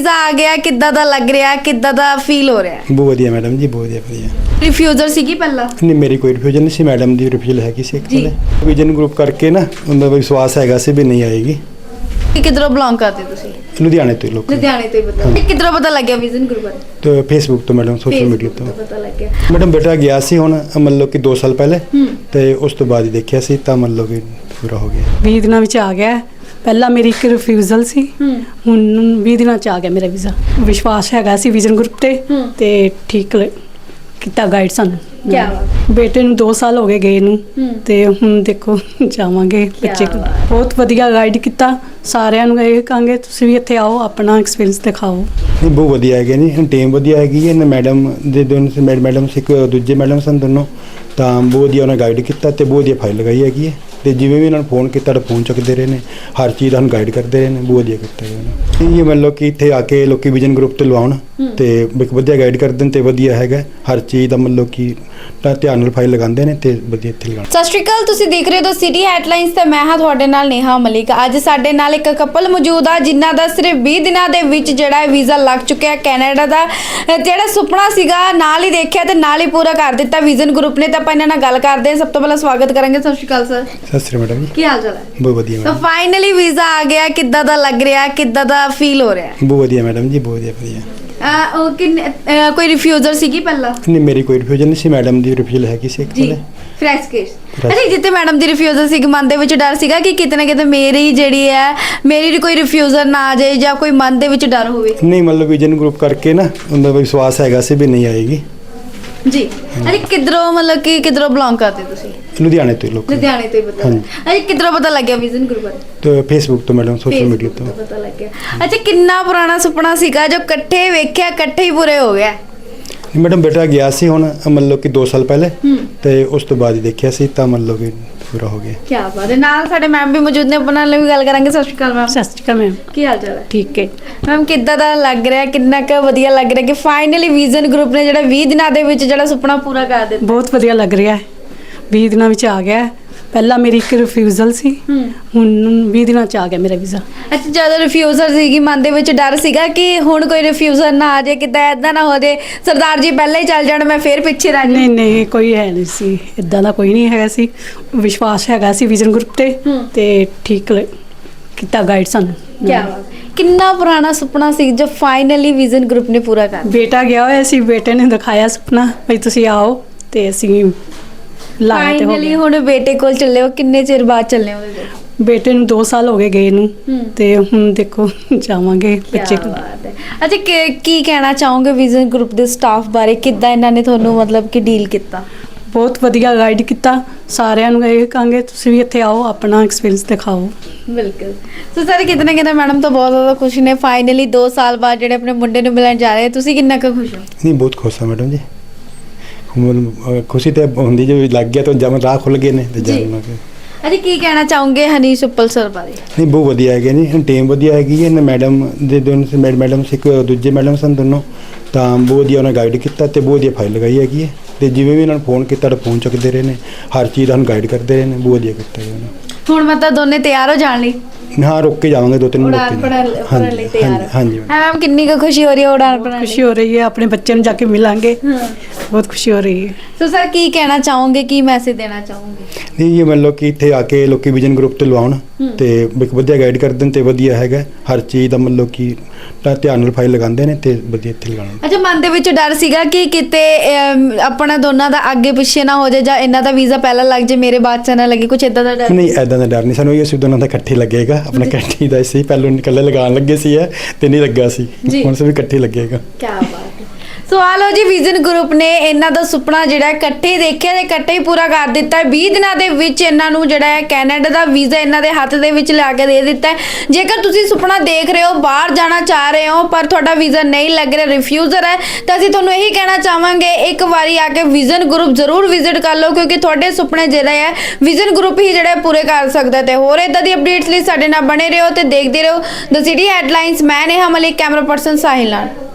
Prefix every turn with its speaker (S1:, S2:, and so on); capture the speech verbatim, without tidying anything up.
S1: Visa ਆ ਗਿਆ, ਕਿੱਦਾਂ ਦਾ ਲੱਗ ਰਿਹਾ, ਕਿੱਦਾਂ ਦਾ ਫੀਲ ਹੋ ਰਿਹਾ ਹੈ?
S2: ਬਹੁਤ ਵਧੀਆ ਮੈਡਮ ਜੀ, ਬਹੁਤ ਵਧੀਆ ਵਧੀਆ।
S1: ਰਿਫਿਊਜ਼ਰ ਸੀਗੀ ਪਹਿਲਾਂ?
S2: ਨਹੀਂ, ਮੇਰੀ ਕੋਈ ਰਿਫਿਊਜ਼ਲ ਨਹੀਂ ਸੀ, ਮੈਡਮ ਦੀ ਰਿਫਿਊਜ਼ਲ ਹੈਗੀ ਸੀ ਇੱਕ ਕੋਲੇ। ਵਿਜ਼ਨ ਗਰੁੱਪ ਕਰਕੇ ਨਾ ਉਹਨਾਂ ਦਾ ਵਿਸ਼ਵਾਸ ਹੈਗਾ ਸੀ ਵੀ ਨਹੀਂ ਆਏਗੀ।
S1: ਕਿ ਕਿੱਧਰੋਂ ਬਿਲੋਂਗ ਕਰਦੇ ਤੁਸੀਂ?
S2: ਲੁਧਿਆਣੇ ਤੋਂ ਲੋਕ।
S1: ਲੁਧਿਆਣੇ ਤੋਂ ਹੀ ਬਤਾ। ਇਹ ਕਿੱਧਰੋਂ ਪਤਾ ਲੱਗਿਆ ਵਿਜ਼ਨ ਗਰੁੱਪ ਬਾਰੇ?
S2: ਤੇ ਫੇਸਬੁੱਕ ਤੋਂ ਮੈਡਮ, ਸੋਸ਼ਲ ਮੀਡੀਆ ਤੋਂ
S1: ਪਤਾ ਲੱਗਿਆ।
S2: ਮੈਡਮ ਬੇਟਾ ਗਿਆ ਸੀ ਹੁਣ ਮਤਲਬ ਕਿ ਦੋ ਸਾਲ ਪਹਿਲੇ, ਤੇ ਉਸ ਤੋਂ ਬਾਅਦ ਹੀ ਦੇਖਿਆ ਸੀ ਤਾਂ ਮਤਲਬ ਕਿ ਪੂਰਾ ਹੋ ਗਿਆ।
S3: ਵੀਹ ਦਿਨਾਂ ਵਿੱਚ ਆ ਗਿਆ। ਪਹਿਲਾਂ ਮੇਰੀ ਇੱਕ ਰਿਫਿਊਜ਼ਲ ਸੀ, ਹੁਣ ਵੀਹ ਦਿਨਾਂ ਚ ਆ ਗਿਆ ਮੇਰਾ ਵੀਜ਼ਾ। ਵਿਸ਼ਵਾਸ ਹੈਗਾ ਸੀ ਵਿਜ਼ਨ ਗਰੁੱਪ ਤੇ ਤੇ ਠੀਕ ਲ- ਕੀਤਾ ਗਾਈਡ ਸਾਨੂੰ।
S1: ਕਿਆ ਬਾਤ।
S3: ਬੇਟੇ ਨੂੰ ਦੋ ਸਾਲ ਹੋ ਗਏ ਗਏ ਨੂੰ, ਤੇ ਹੁਣ ਦੇਖੋ ਜਾਵਾਂਗੇ ਬੱਚੇ ਕੋਲ। ਬਹੁਤ ਵਧੀਆ ਗਾਈਡ ਕੀਤਾ। ਸਾਰਿਆਂ ਨੂੰ ਇਹ ਕਹਾਂਗੇ ਤੁਸੀਂ ਵੀ ਇੱਥੇ ਆਓ, ਆਪਣਾ ਐਕਸਪੀਰੀਅੰਸ ਦਿਖਾਓ।
S2: ਨਹੀਂ, ਬਹੁਤ ਵਧੀਆ ਹੈਗੇ ਨਹੀਂ, ਟੀਮ ਵਧੀਆ ਹੈਗੀ ਹੈ ਨਾ। ਮੈਡਮ ਦੇ ਦੋਨੋਂ ਮੈਡਮ ਸੀ, ਇੱਕ ਦੂਜੇ ਮੈਡਮ ਸਨ ਦੋਨੋਂ, ਤਾਂ ਬਹੁਤ ਵਧੀਆ ਉਹਨਾਂ ਗਾਈਡ ਕੀਤਾ ਤੇ ਬਹੁਤ ਵਧੀਆ ਫਾਈਲ ਲਗਾਈ ਹੈਗੀ ਹੈ। ਤੇ ਜਿਵੇਂ ਵੀ ਇਹਨਾਂ ਨੂੰ ਫੋਨ ਕੀਤਾ ਤਾਂ ਫੋਨ ਚੁੱਕਦੇ ਰਹੇ ਨੇ, ਹਰ ਚੀਜ਼ ਦਾ ਸਾਨੂੰ ਗਾਈਡ ਕਰਦੇ ਰਹੇ ਨੇ, ਬਹੁਤ ਵਧੀਆ ਕੀਤਾ ਜੀ ਉਹਨਾਂ ਨੇ। ਇਹ ਮਤਲਬ ਕਿ ਇੱਥੇ ਆ ਕੇ ਲੋਕੀ ਵਿਜ਼ਨ ਗਰੁੱਪ ਤੇ ਲਵਾਉਣ ਤੇ ਇੱਕ ਵਧੀਆ ਗਾਈਡ ਕਰਦੇ ਨੇ ਤੇ ਵਧੀਆ ਹੈਗਾ ਹਰ ਚੀਜ਼ ਦਾ, ਮਤਲਬ ਕਿ ਤਾਂ ਧਿਆਨ ਨਾਲ ਫਾਈਲ ਲਗਾਉਂਦੇ ਨੇ ਤੇ ਵਧੀਆ ਇੱਥੇ ਲਗਾਉਣ।
S1: ਸਤਿ ਸ਼੍ਰੀ ਅਕਾਲ, ਤੁਸੀਂ ਦੇਖ ਰਹੇ ਹੋ ਦ ਸਿਟੀ ਹੈਡਲਾਈਨਸ ਤੇ ਮੈਂ ਹਾਂ ਤੁਹਾਡੇ ਨਾਲ ਨੇਹਾ ਮਲਿਕ। ਅੱਜ ਸਾਡੇ ਨਾਲ ਇੱਕ ਕਪਲ ਮੌਜੂਦ ਆ ਜਿਨ੍ਹਾਂ ਦਾ ਸਿਰਫ ਵੀਹ ਦਿਨਾਂ ਦੇ ਵਿੱਚ ਜਿਹੜਾ ਵੀਜ਼ਾ ਲੱਗ ਚੁੱਕਿਆ ਕੈਨੇਡਾ ਦਾ। ਜਿਹੜਾ ਸੁਪਨਾ ਸੀਗਾ ਨਾਲ ਹੀ ਦੇਖਿਆ ਤੇ ਨਾਲ ਹੀ ਪੂਰਾ ਕਰ ਦਿੱਤਾ ਵਿਜ਼ਨ ਗਰੁੱਪ ਨੇ। ਤਾਂ ਆਪਾਂ ਇਹਨਾਂ ਨਾਲ ਗੱਲ ਕਰਦੇ ਹਾਂ। ਸਭ ਤੋਂ ਪਹਿਲਾਂ ਸਵਾਗਤ ਕਰਾਂਗੇ। ਸਤਿ ਸ਼੍ਰੀ ਅਕਾਲ ਸਰ।
S2: ਸਤਿ ਸ਼੍ਰੀ ਅਕਾਲ ਮੈਡਮ ਜੀ,
S1: ਕੀ ਹਾਲ ਚਾਲ ਹੈ?
S2: ਬਹੁਤ ਵਧੀਆ
S1: ਤਾਂ
S2: ਮੈਡਮ।
S1: ਫਾਈਨਲੀ ਵੀਜ਼ਾ ਆ ਗਿਆ, ਕਿੱਦਾਂ ਦਾ ਲੱਗ ਰਿਹਾ, ਕਿੱਦਾਂ ਦਾ ਫੀਲ ਹੋ ਰਿਹਾ ਹੈ?
S2: ਬਹੁਤ ਵਧੀਆ ਮੈਡਮ ਜੀ, ਬਹੁਤ ਵਧੀਆ ਵਧੀਆ।
S1: ਅਹ ਉਹ ਕਿੰਨੇ ਅਹ ਕੋਈ ਰਿਫਿਊਜ਼ਰ ਸੀਗੀ ਪਹਿਲਾਂ?
S2: ਨਹੀਂ, ਮੇਰੀ ਕੋਈ ਰਿਫਿਊਜ਼ਲ ਨਹੀਂ ਸੀ, ਮੈਡਮ ਦੀ ਰਿਫਿਊਜ਼ਲ ਹੈਗੀ ਸੀ ਇੱਕ ਕੋਲੇ।
S1: Fresh case. ਅੱਛਾ, ਜਿੱਤੇ ਮੈਡਮ ਦੀ ਰਿਫਿਊਜ਼ਲ ਸੀ, ਮਨ ਦੇ ਵਿੱਚ ਡਰ ਸੀਗਾ ਕਿ ਕਿਤੇ ਨਾ ਕਿਤੇ ਮੇਰੀ ਜਿਹੜੀ ਹੈ ਮੇਰੀ ਕੋਈ ਰਿਫਿਊਜ਼ਰ ਨਾ ਆ ਜਾਏ ਜਾਂ ਕੋਈ ਮਨ ਦੇ ਵਿੱਚ ਡਰ ਹੋਵੇ?
S2: ਨਹੀਂ, ਮਤਲਬ ਵਿਜ਼ਨ ਗਰੁੱਪ ਕਰਕੇ ਨਾ ਉਹਨਾਂ ਦਾ ਵਿਸ਼ਵਾਸ ਹੈਗਾ ਸੀ ਵੀ ਨਹੀਂ ਆਏਗੀ
S1: ਜੀ। ਅਰੇ ਕਿੱਧਰੋਂ ਮਤਲਬ ਕਿ ਕਿੱਧਰੋਂ ਬਿਲੋਂਗ ਕਰਦੇ ਤੁਸੀਂ?
S2: ਲੁਧਿਆਣੇ ਤੋਂ ਲੋਕ।
S1: ਲੁਧਿਆਣੇ ਤੋਂ ਹੀ ਬਤਾ। ਅਰੇ ਕਿੱਧਰੋਂ ਪਤਾ ਲੱਗਿਆ ਵਿਜ਼ਨ ਗਰੁੱਪ ਬਾਰੇ?
S2: ਤੇ ਫੇਸਬੁੱਕ ਤੋਂ ਮੈਡਮ, ਸੋਸ਼ਲ ਮੀਡੀਆ ਤੋਂ।
S1: ਪਤਾ ਲੱਗਿਆ। ਅੱਛਾ, ਕਿੰਨਾ ਪੁਰਾਣਾ ਸੁਪਨਾ ਸੀਗਾ ਜੋ ਇਕੱਠੇ ਵੇਖਿਆ, ਇਕੱਠੇ ਹੀ ਪੂਰੇ ਹੋ ਗਿਆ?
S2: ਮੈਡਮ ਬੇਟਾ ਗਿਆ ਸੀ ਹੁਣ ਮਤਲਬ ਕਿ ਦੋ ਸਾਲ ਪਹਿਲੇ, ਤੇ ਉਸ ਤੋਂ ਬਾਅਦ ਹੀ ਦੇਖਿਆ ਸੀ ਤਾਂ ਮਤਲਬ ਕਿ ਪੂਰਾ ਹੋ ਗਿਆ।
S1: ਕੀ ਬਾਤ ਹੈ। ਨਾਲ ਸਾਡੇ ਮੈਮ ਵੀ ਮੌਜੂਦ ਨੇ, ਉਹਨਾਂ ਨਾਲ ਵੀ ਗੱਲ ਕਰਾਂਗੇ। ਸਤਿ ਸ਼੍ਰੀ ਅਕਾਲ ਮੈਮ।
S3: ਸਤਿ ਸ਼੍ਰੀ ਅਕਾਲ ਮੈਮ।
S1: ਕੀ ਹਾਲ ਚਾਲ ਹੈ?
S3: ਠੀਕ ਹੈ
S1: ਮੈਮ, ਕਿੱਦਾਂ ਦਾ ਲੱਗ ਰਿਹਾ, ਕਿੰਨਾ ਕੁ ਵਧੀਆ ਲੱਗ ਰਿਹਾ ਕਿ ਫਾਈਨਲੀ ਵਿਜ਼ਨ ਗਰੁੱਪ ਨੇ ਜਿਹੜਾ ਵੀਹ ਦਿਨਾਂ ਦੇ ਵਿੱਚ ਜਿਹੜਾ ਸੁਪਨਾ ਪੂਰਾ ਕਰ ਦਿੱਤਾ?
S3: ਬਹੁਤ ਵਧੀਆ ਲੱਗ ਰਿਹਾ ਹੈ। ਵੀਹ ਦਿਨਾਂ ਵਿੱਚ ਆ ਗਿਆ। ਪਹਿਲਾਂ ਮੇਰੀ ਇੱਕ ਰਿਫਿਊਜ਼ਲ ਸੀ, ਹੁਣ ਵੀਹ ਦਿਨਾਂ ਚ ਆ ਗਿਆ ਮੇਰਾ ਵੀਜ਼ਾ।
S1: ਅੱਛਾ, ਜਦੋਂ ਰਿਫਿਊਜ਼ਰ ਸੀਗੀ ਮਨ ਦੇ ਵਿੱਚ ਡਰ ਸੀਗਾ ਕਿ ਹੁਣ ਕੋਈ ਰਿਫਿਊਜ਼ਰ ਨਾ ਆ ਜਾਏ, ਕਿਤੇ ਐਦਾਂ ਨਾ ਹੋ ਜਾਏ ਸਰਦਾਰ ਜੀ ਪਹਿਲਾਂ ਹੀ ਚੱਲ ਜਾਣ, ਮੈਂ ਫੇਰ ਪਿੱਛੇ ਰਹਿ
S3: ਨਹੀਂ ਨਹੀਂ, ਕੋਈ ਹੈ ਨਹੀਂ ਸੀ, ਇਦਾਂ ਦਾ ਕੋਈ ਨਹੀਂ ਹੈਗਾ ਸੀ। ਵਿਸ਼ਵਾਸ ਹੈਗਾ ਸੀ ਵਿਜ਼ਨ ਗਰੁੱਪ ਤੇ ਤੇ ਠੀਕ ਲ- ਕੀਤਾ ਗਾਈਡ ਸਾਨੂੰ।
S1: ਕੀ ਬਾਤ। ਕਿੰਨਾ ਪੁਰਾਣਾ ਸੁਪਨਾ ਸੀ ਜੋ ਫਾਈਨਲੀ ਵਿਜ਼ਨ ਗਰੁੱਪ ਨੇ ਪੂਰਾ ਕਰ ਦਿੱਤਾ?
S3: ਬੇਟਾ ਗਿਆ ਹੋਇਆ ਸੀ, ਬੇਟੇ ਨੇ ਦਿਖਾਇਆ ਸੁਪਨਾ ਵੀ ਤੁਸੀਂ ਆਓ, ਤੇ ਅਸੀਂ ਲਾਇਆ ਤੇ ਹੋ
S1: ਫਾਈਨਲੀ
S3: ਗਿਆ।
S1: ਹੁਣ ਬੇਟੇ ਕੋਲ ਚੱਲੇ ਹੋ, ਕਿੰਨੇ ਚਿਰ ਬਾਅਦ ਚੱਲੇ ਹੋ ਉਹਦੇ ਕੋਲ?
S3: ਬੇਟੇ ਨੂੰ ਦੋ ਸਾਲ ਹੋ ਗਏ ਗਏ ਨੂੰ, ਤੇ ਹੁਣ ਦੇਖੋ ਜਾਵਾਂਗੇ ਬੱਚੇ ਕੋਲ।
S1: ਅੱਛਾ, ਕੀ- ਕੀ ਕਹਿਣਾ ਚਾਹੋਗੇ ਵਿਜ਼ਨ ਗਰੁੱਪ ਦੇ ਸਟਾਫ ਬਾਰੇ? ਕਿੱਦਾਂ ਇਹਨਾਂ ਨੇ ਤੁਹਾਨੂੰ ਮਤਲਬ ਕਿ ਡੀਲ ਕੀਤਾ?
S3: ਬਹੁਤ ਵਧੀਆ ਗਾਈਡ ਕੀਤਾ। ਸਾਰਿਆਂ ਨੂੰ ਇਹ ਕਹਾਂਗੇ ਤੁਸੀਂ ਵੀ ਇੱਥੇ ਆਓ, ਆਪਣਾ ਐਕਸਪੀਰੀਅੰਸ ਦਿਖਾਓ।
S1: ਬਿਲਕੁਲ। ਸੋ ਸਾਰੇ ਕਿਤੇ ਨਾ ਕਿਤੇ ਮੈਡਮ ਤਾਂ ਬਹੁਤ ਜ਼ਿਆਦਾ ਖੁਸ਼ ਨੇ, ਫਾਈਨਲੀ ਦੋ ਸਾਲ ਬਾਅਦ ਜਿਹੜੇ ਆਪਣੇ ਮੁੰਡੇ ਨੂੰ ਮਿਲਣ ਜਾ ਰਹੇ। ਤੁਸੀਂ ਕਿੰਨਾ ਕੁ ਖੁਸ਼ ਹੋ?
S2: ਨਹੀਂ, ਬਹੁਤ ਖੁਸ਼ ਹਾਂ ਮੈਡਮ ਜੀ। ਹੁਣ ਖੁਸ਼ੀ ਤੇ ਹੁੰਦੀ ਜੇ ਲੱਗ ਗਿਆ ਤਾਂ ਜਮ ਰਾਹ ਖੁੱਲ ਗਏ ਨੇ ਤੇ ਜਾਣ।
S1: ਅੱਛਾ, ਕੀ ਕਹਿਣਾ ਚਾਹੋਗੇ ਹਨੀਸ਼ ਉੱਪਲ ਸਰ ਬਾਰੇ?
S2: ਨਹੀਂ, ਬਹੁਤ ਵਧੀਆ ਹੈਗੇ ਨਹੀਂ, ਟੀਮ ਵਧੀਆ ਹੈਗੀ ਹੈ ਨਾ। ਮੈਡਮ ਦੇ ਦੋਨੋਂ ਮੈਡਮ ਸੀ, ਇੱਕ ਦੂਜੇ ਮੈਡਮ ਸਨ ਦੋਨੋਂ, ਤਾਂ ਬਹੁਤ ਵਧੀਆ ਉਹਨਾਂ ਗਾਈਡ ਕੀਤਾ ਤੇ ਬਹੁਤ ਵਧੀਆ ਫਾਈਲ ਲਗਾਈ ਹੈਗੀ ਹੈ। ਤੇ ਜਿਵੇਂ ਵੀ ਇਹਨਾਂ ਨੂੰ ਫੋਨ ਕੀਤਾ ਤਾਂ ਫੋਨ ਚੁੱਕਦੇ ਰਹੇ ਨੇ, ਹਰ ਚੀਜ਼ ਦਾ ਸਾਨੂੰ ਗਾਈਡ ਕਰਦੇ ਰਹੇ ਨੇ, ਬਹੁਤ ਵਧੀਆ ਕੀਤਾ ਜੀ ਉਹਨਾਂ ਨੇ।
S1: ਹੁਣ ਮਤਲਬ ਦੋਨੇ ਤਿਆਰ ਹੋ ਜਾਣ ਲਈ?
S2: ਹਾਂ, ਰੁਕ ਕੇ ਜਾਵਾਂਗੇ ਦੋ ਤਿੰਨ
S1: ਉਡਾਨ ਭਰਨ ਭਰਨ ਲਈ ਤਿਆਰ?
S2: ਹਾਂਜੀ।
S1: ਹਾਂ ਮੈਮ, ਕਿੰਨੀ ਕੁ ਖੁਸ਼ੀ ਹੋ ਰਹੀ ਹੈ ਉਡਾਨ ਭਰਨ ਲਈ?
S3: ਖੁਸ਼ੀ ਹੋ ਰਹੀ ਹੈ, ਆਪਣੇ ਬੱਚੇ ਨੂੰ ਜਾ ਕੇ ਮਿਲਾਂਗੇ, ਬਹੁਤ ਖੁਸ਼ੀ ਹੋ ਰਹੀ ਹੈ।
S1: ਸੋ ਸਰ, ਕੀ ਕਹਿਣਾ ਚਾਹੋਗੇ, ਕੀ ਮੈਸੇਜ ਦੇਣਾ ਚਾਹੋਗੇ?
S2: ਨਹੀਂ, ਇਹ ਮਤਲਬ ਕਿ ਇੱਥੇ ਆ ਕੇ ਲੋਕੀ ਵਿਜ਼ਨ ਗਰੁੱਪ ਤੇ ਲਵਾਉਣ ਤੇ ਇੱਕ ਵਧੀਆ ਗਾਈਡ ਕਰਦੇ ਨੇ ਤੇ ਵਧੀਆ ਹੈਗਾ ਹਰ ਚੀਜ਼ ਦਾ, ਮਤਲਬ ਕਿ ਤਾਂ ਧਿਆਨ ਨਾਲ ਫਾਈਲ ਲਗਾਉਂਦੇ ਨੇ ਤੇ ਵਧੀਆ ਇੱਥੇ ਲਗਾਉਣਾ।
S1: ਅੱਛਾ, ਮਨ ਦੇ ਵਿੱਚ ਡਰ ਸੀਗਾ ਕਿ ਕਿਤੇ ਅਮ, ਆਪਣਾ ਦੋਨਾਂ ਦਾ ਅੱਗੇ ਪਿੱਛੇ ਨਾ ਹੋ ਜਾਏ ਜਾਂ ਇਹਨਾਂ ਦਾ ਵੀਜ਼ਾ ਪਹਿਲਾਂ ਲੱਗ ਜਾਏ, ਮੇਰੇ ਬਾਅਦ ਚ ਨਾ ਲੱਗੇ, ਕੁਝ ਇਦਾਂ ਦਾ ਡਰ?
S2: ਨਹੀਂ, ਐਦਾਂ ਦਾ ਡਰ ਨਹੀਂ ਸਾਨੂੰ, ਇਹ ਅਸੀਂ ਦੋਨਾਂ ਦਾ ਇਕੱਠੇ ਲੱਗੇਗਾ, ਆਪਣਾ ਇਕੱਠੇ ਦਾ ਸੀ। ਪਹਿਲਾਂ ਇਕੱਲੇ ਲਗਾਉਣ ਲੱਗੇ ਸੀ ਤੇ ਨਹੀਂ ਲੱਗਾ ਸੀ, ਹੁਣ ਸੇ ਵੀ ਇਕੱਠੇ ਲੱਗੇਗਾ।
S1: ਕੀ ਬਾਤ ਹੈ। ਸੋ ਆ ਲਓ ਜੀ, ਵਿਜ਼ਨ ਗਰੁੱਪ ਨੇ ਇਹਨਾਂ ਦਾ ਸੁਪਨਾ ਜਿਹੜਾ ਇਕੱਠੇ ਦੇਖਿਆ ਤੇ ਇਕੱਠੇ ਹੀ ਪੂਰਾ ਕਰ ਦਿੱਤਾ। ਵੀਹ ਦਿਨਾਂ ਦੇ ਵਿੱਚ ਇਹਨਾਂ ਨੂੰ ਜਿਹੜਾ ਹੈ ਕੈਨੇਡਾ ਦਾ ਵੀਜ਼ਾ ਇਹਨਾਂ ਦੇ ਹੱਥ ਦੇ ਵਿੱਚ ਲਿਆ ਕੇ ਦੇ ਦਿੱਤਾ ਹੈ। ਜੇਕਰ ਤੁਸੀਂ ਸੁਪਨਾ ਦੇਖ ਰਹੇ ਹੋ, ਬਾਹਰ ਜਾਣਾ ਚਾਹ ਰਹੇ ਹੋ ਪਰ ਤੁਹਾਡਾ ਵੀਜ਼ਾ ਨਹੀਂ ਲੱਗ ਰਿਹਾ, ਰਿਫਿਊਜ਼ਰ ਹੈ, ਤਾਂ ਅਸੀਂ ਤੁਹਾਨੂੰ ਇਹੀ ਕਹਿਣਾ ਚਾਹਾਂਗੇ ਇੱਕ ਵਾਰੀ ਆ ਕੇ ਵਿਜ਼ਨ ਗਰੁੱਪ ਜ਼ਰੂਰ ਵਿਜ਼ਿਟ ਕਰ ਲਓ, ਕਿਉਂਕਿ ਤੁਹਾਡੇ ਸੁਪਨੇ ਜਿਹੜੇ ਹੈ ਵਿਜ਼ਨ ਗਰੁੱਪ ਹੀ ਜਿਹੜੇ ਪੂਰੇ ਕਰ ਸਕਦਾ। ਤੇ ਹੋਰ ਇਦਾਂ ਦੀ ਅਪਡੇਟਸ ਲਈ ਸਾਡੇ ਨਾਲ ਬਣੇ ਰਹੋ ਤੇ ਦੇਖਦੇ ਰਹੋ ਦ ਸਿਟੀ ਹੈਡਲਾਈਨਸ। ਮੈਂ ਨੇਹਾ ਮਲਿਕ, ਕੈਮਰਾ ਪਰਸਨ ਸਾਹਿਲ ਨਾਲ।